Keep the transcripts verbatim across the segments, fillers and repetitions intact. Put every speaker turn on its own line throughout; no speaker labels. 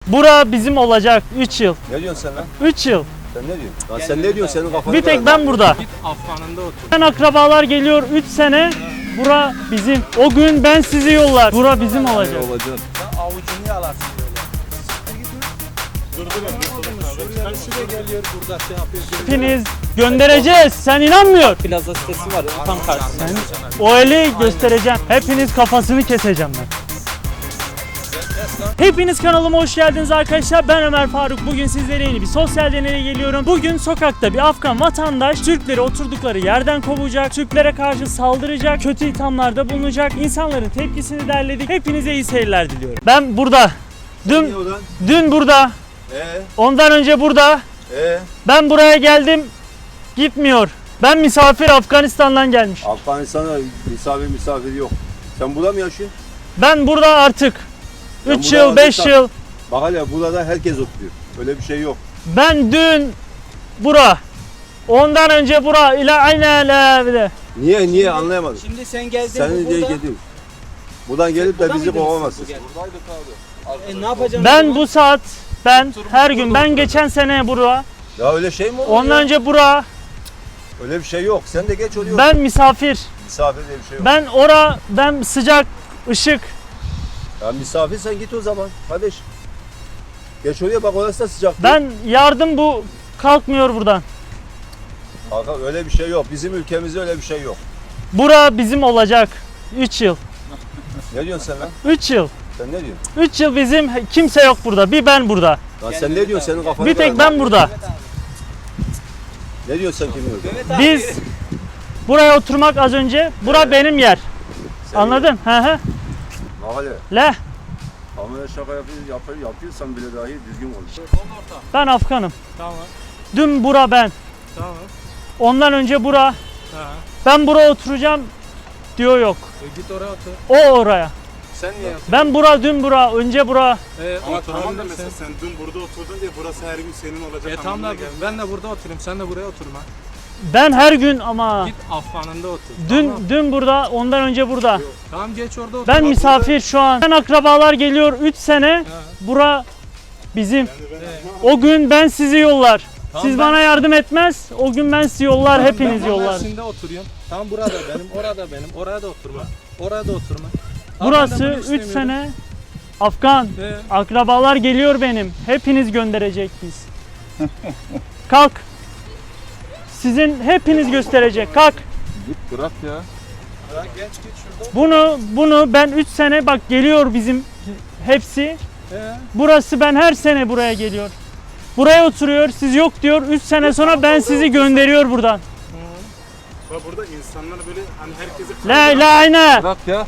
Bura bizim olacak üç yıl.
Ne diyorsun sen lan?
üç yıl.
Sen ne diyorsun? Lan sen ne diyorsun? Senin kafanı
Bir tek ben burada.
Git Afgan'ında otur.
Ben akrabalar geliyor üç sene. Bura bizim. O gün ben sizi yollar. Bura bizim olacak.
olacaksın.
Sen avucunu yalarsın böyle. Dur dur. Suriyelisi de geliyor burada şey yapıyor.
Hepiniz göndereceğiz. Sen inanmıyor.
Plaza sitesi var tam karşısında.
O eli göstereceğim. Hepiniz kafasını keseceğim ben. Hepiniz kanalıma hoş geldiniz arkadaşlar. Ben Ömer Faruk. Bugün sizlere yeni bir sosyal deneye geliyorum. Bugün sokakta bir Afgan vatandaş Türkleri oturdukları yerden kovacak, Türklere karşı saldıracak, kötü ithamlarda bulunacak. İnsanların tepkisini derledik. Hepinize iyi seyirler diliyorum. Ben burada. Dün, dün burada.
Ee,
Ondan önce burada.
ee.
Ben buraya geldim. Gitmiyor. Ben misafir Afganistan'dan gelmiş.
Afganistan'da misafir misafir yok. Sen burada mı yaşıyorsun?
Ben burada artık
Ben
üç
burada
yıl, beş
artık-
yıl.
Bak hele burada herkes oturuyor. Öyle bir şey yok.
Ben dün bura. Ondan önce bura ile aynı ile.
Niye niye anlayamadım.
Şimdi sen geldin
Senin diye
burada.
gidiyor. Buradan gelip de
Burada
bizi
mıydınız
kovamazsın.
siz bugün? E ne yapacaksın?
Ben bu saat ben her gün ben geçen sene bura.
Ya öyle şey mi olur
Ondan
ya?
önce bura.
Öyle bir şey yok. Sen de geç oluyor.
Ben misafir.
Misafir diye bir şey yok.
Ben ora ben sıcak ışık.
Ya misafir sen git o zaman. Kardeş. Geç oraya bak orası da sıcak.
Ben yardım bu kalkmıyor buradan.
Kanka öyle bir şey yok. Bizim ülkemizde öyle bir şey yok.
Bura bizim olacak üç yıl.
Ne diyorsun sen lan?
üç yıl.
Sen ne diyorsun?
üç yıl bizim kimse yok burada. Bir ben burada.
Lan sen ne diyorsun? Senin kafanı
Bir tek
kırar.
ben burada.
Ne diyorsun sen kimin öyle?
Biz buraya oturmak az önce. Bura benim yer. Anladın? Hı hı.
Bak hele.
Le.
Kamera şaka yapıyor, yapıyor, yapıyorsan bile dahi düzgün konuş.
Ben Afganım.
Tamam.
Dün bura ben.
Tamam.
Ondan önce bura.
Ha.
Ben buraya oturacağım diyor yok.
E git oraya otur.
O oraya.
Sen niye otur?
Ben bura dün bura önce bura.
E,
Ama
o
tamam da
sen.
mesela sen dün burada oturdun diye burası her gün senin olacak
E tamam
anlamına
da
gelmez.
ben de burada oturayım. Sen de buraya oturma.
Ben her gün ama
Git Afgan'ında otur.
dün
Tamam.
dün burada ondan önce burada.
Tamam geç orada otur.
Ben
Bak
misafir şu an. Ben akrabalar geliyor üç sene.
burada- Ha.
Bura bizim.
Yani ben
E,
O gün ben sizi yollar.
Tamam,
Siz
ben-
bana yardım etmez. O gün ben sizi yollar,
Tamam,
hepiniz
ben
yollar.
Mersin'de oturuyorum. Tamam burada benim, orada benim, oraya da oturma. Oraya da oturma. Tamam, ben de
Burası
bunu
üç
istemiyorum.
sene Afgan.
Ee,
Akrabalar geliyor benim. Hepiniz gönderecek biz. Kalk. Sizin hepiniz gösterecek. Kalk.
Bırak ya.
ya genç git şurada.
Bunu bunu ben üç sene bak geliyor bizim hepsi.
Ee,
Burası ben her sene buraya geliyor. Buraya oturuyor. Siz yok diyor. üç sene sonra ben sizi gönderiyor buradan.
bak burada insanlar böyle hani herkesi
La la ayna.
Bırak ya.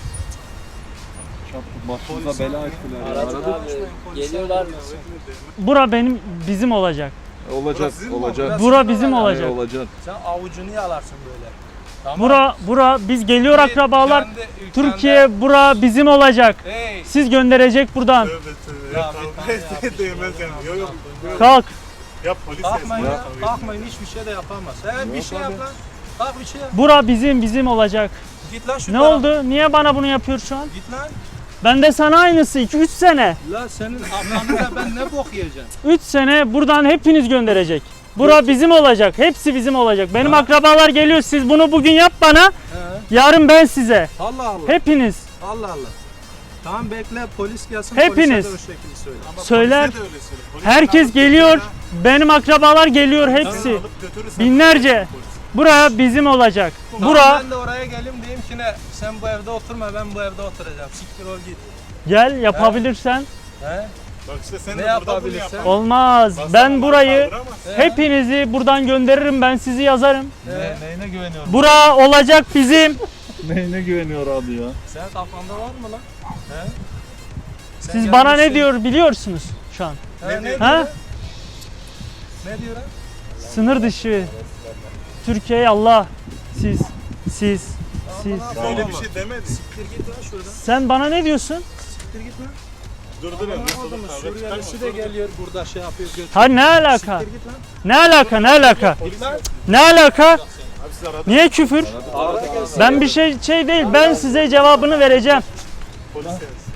Başımıza bela açtılar.
geliyorlar.
Bura benim bizim olacak.
Olacak, olacak.
Bura bizim olacak.
Olacak.
Sen avucunu yalarsın böyle. Tamam.
Bura bura biz geliyor akrabalar.
Kendi ülkende-
Türkiye bura bizim olacak.
Hey.
Siz gönderecek buradan.
Tövbe tövbe.
Ya
Ya
bir tane
kavga etse değmez yani. Yok yok. yok.
Kalk.
Ya polis
Kalkmayın
yazsın.
ya.
Kavga
Kalkmayın hiçbir şey de yapamaz. He bir şey yap lan. Kalk bir şey yap.
Bura bizim bizim olacak.
Git lan şu
Ne
tarafa.
oldu? Niye bana bunu yapıyor şu an?
Git lan.
Ben de sana aynısı iki üç sene.
La senin Afgan'da ben ne bok yiyeceğim?
üç sene buradan hepiniz gönderecek. Bura bizim olacak. Hepsi bizim olacak. Benim
Ha.
akrabalar geliyor. Siz bunu bugün yap bana.
He.
Yarın ben size.
Allah Allah.
Hepiniz.
Allah Allah. Tamam bekle polis gelsin.
Hepiniz.
Polise de o şekilde söyle.
Ama
Söyler.
polise de öyle söyle. Polis
Herkes
alıp
geliyor.
götürür ha.
Benim akrabalar geliyor
Seni
hepsi.
alıp götürürsen
Binlerce.
polis.
Buraya bizim olacak.
Tamam,
Bura
ben de oraya geleyim diyeyim ki ne sen bu evde oturma ben bu evde oturacağım. Siktir ol git.
gel yapabilirsen.
He?
Bak işte sen
Ne
de burada bunu
yapabilirsen?
yap.
Olmaz.
Basan
Ben
bana
burayı
kaldıramaz.
He?
hepinizi buradan gönderirim. Ben sizi yazarım.
He. Neyine güveniyorum?
Bura olacak bizim.
Neyine güveniyor abi ya?
Sen kafanda var mı lan? He? Sen
Siz bana ne
gelmişsin.
diyor biliyorsunuz şu an.
He, ne, diyor?
Ha?
Ne diyor? ha?
Sınır dışı. Türkiye Allah. Siz. Siz. Siz.
Öyle bir şey demedi.
Siktir git lan şuradan.
Sen bana ne diyorsun?
Siktir git lan.
Dur dur.
Aman
Nasıl
adamı,
olur kavga
Suriyelisi de
çıkarma.
geliyor burada şey yapıyor götürüyor.
Ha ne alaka?
Siktir git lan.
Ne alaka? Ne alaka?
Git lan.
Ne alaka?
Abi siz aradınız.
Niye küfür?
Ara gelsin.
Ben bir şey şey değil. Ben size cevabını vereceğim.
Polis gelsin.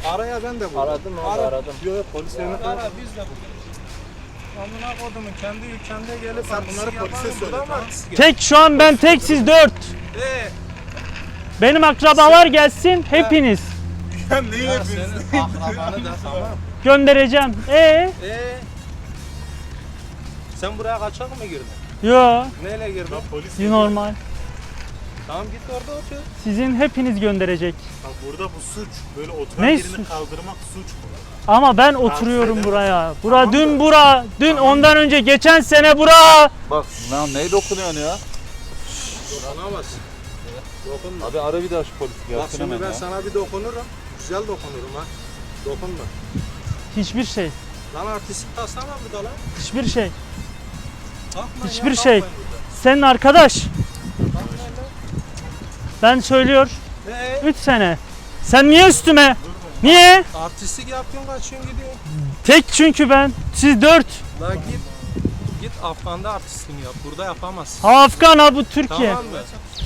Araya ben de buldum.
Aradım abi, aradım.
Yok yok polis yerine
Ara biz de bulduk. Amına kodumun kendi ülkende gelip
Sen bunları polise söyle, tamam.
Tek şu an ben tek, siz dört.
Eee
Benim akrabalar gelsin hepiniz.
Ya neyi
ya
yapıyorsun?
senin akrabanı da tamam.
Göndereceğim. E
Eee sen buraya kaçak mı girdin?
yo,
Neyle girdin?
Lan polis
normal.
Tamam git orada otur.
Sizin hepiniz gönderecek.
Bak burada bu suç. Böyle oturan
Ne
yerini
suç?
kaldırmak suç bu.
Ama ben oturuyorum
edemez.
buraya. Bura dün bura, dün ondan önce geçen sene bura.
Bak lan neye dokunuyorsun ya?
Dokunamazsın. Dokunma.
Abi ara bir daha şu polisi
Bak
gelsin
şimdi
hemen
ben
ya.
sana bir dokunurum. Güzel dokunurum ha. Dokunma.
Hiçbir şey.
Lan artistik taslama burada lan.
Hiçbir şey.
Kalkmayın
Hiçbir
ya,
şey.
kalkmayın burada.
Senin arkadaş.
Kalkmayın lan.
Ben söylüyor.
Ee,
üç sene. Sen niye üstüme? Niye?
artistik yapıyorsun kaçıyorsun gidiyorsun.
Tek çünkü ben. Siz dört.
La git. Git Afgan'da artistliğini yap. Burada yapamazsın.
Ha Afgan ha bu Türkiye.
Tamam mı?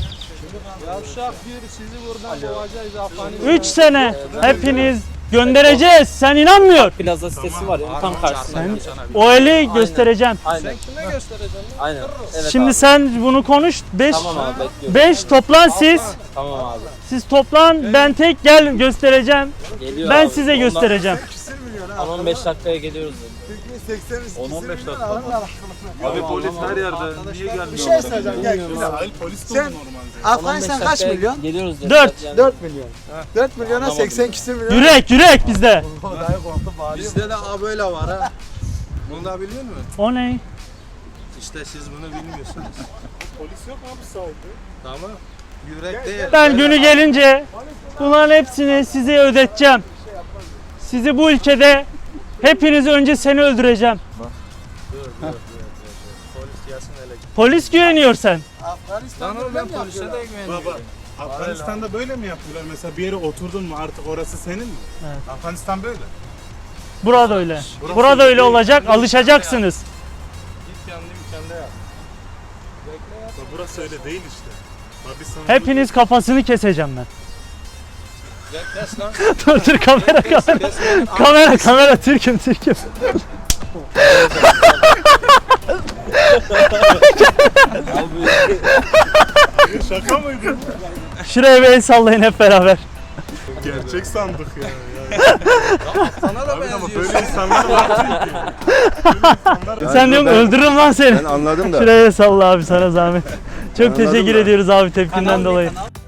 Yavşak bir sizi buradan kovacağız Afgan'ı.
üç sene. Hepiniz göndereceğiz. Sen inanmıyor.
Plaza sitesi var ya tam karşısında.
O eli göstereceğim.
Sen
Aynen.
kime göstereceksin lan?
Aynen. Evet
Şimdi
abi.
sen bunu konuş. beş
Tamam abi bekliyorum.
beş toplan siz.
Tamam abi.
Siz toplan. Ben tek gel göstereceğim.
Geliyor
Ben
abi.
size
Ondan-
göstereceğim.
on on beş dakikaya geliyoruz dedi. on on beş dakika. Abi polis her yerde. Niye gelmiyor?
Bir şey söyleyeceğim gel.
Hayır polis de
Sen-
olur normalde.
Afganistan kaç milyon?
Geliyoruz dedi.
Dört.
Yani-
dört milyon. dört milyona seksen küsür milyon.
Yürek yürek bizde.
Bizde de A böyle var ha. Bunu da biliyor musun?
O ne?
İşte siz bunu bilmiyorsunuz.
Polis yok mu abi sahilde?
Tamam. Yürek değil.
Ben günü gelince bunların hepsini size ödeteceğim. Sizi bu ülkede hepinizi önce seni öldüreceğim.
Dur, dur, dur, dur. Polis gelsin hele.
Polis güveniyor sen.
Lan
Afganistan'da
oğlum ben
ben
polise de
Baba
güveniyorum.
Afganistan'da böyle mi yapıyorlar? Mesela bir yere oturdun mu artık orası senin mi?
Evet.
Afganistan böyle.
Burada öyle. Burada öyle olacak. Alışacaksınız.
Git kendi ülkende yap. Bekle yap.
Bak burası öyle değil işte. Bak biz sana
Hepiniz kafasını keseceğim ben.
Gel kes lan.
Dur dur kamera kamera.
Kes lan.
Kamera kamera Türk'üm Türk'üm.
şaka mıydı?
Şuraya bir el sallayın hep beraber.
Gerçek sandık ya.
Sana da
Abi ama
benziyorsun.
böyle insanlar var çünkü. Böyle insanlar
Yani
Sen diyorum
ben-
öldürürüm lan seni.
Ben anladım da.
Şuraya el salla abi sana zahmet. Çok
Anladım
teşekkür
da.
ediyoruz abi tepkinden dolayı.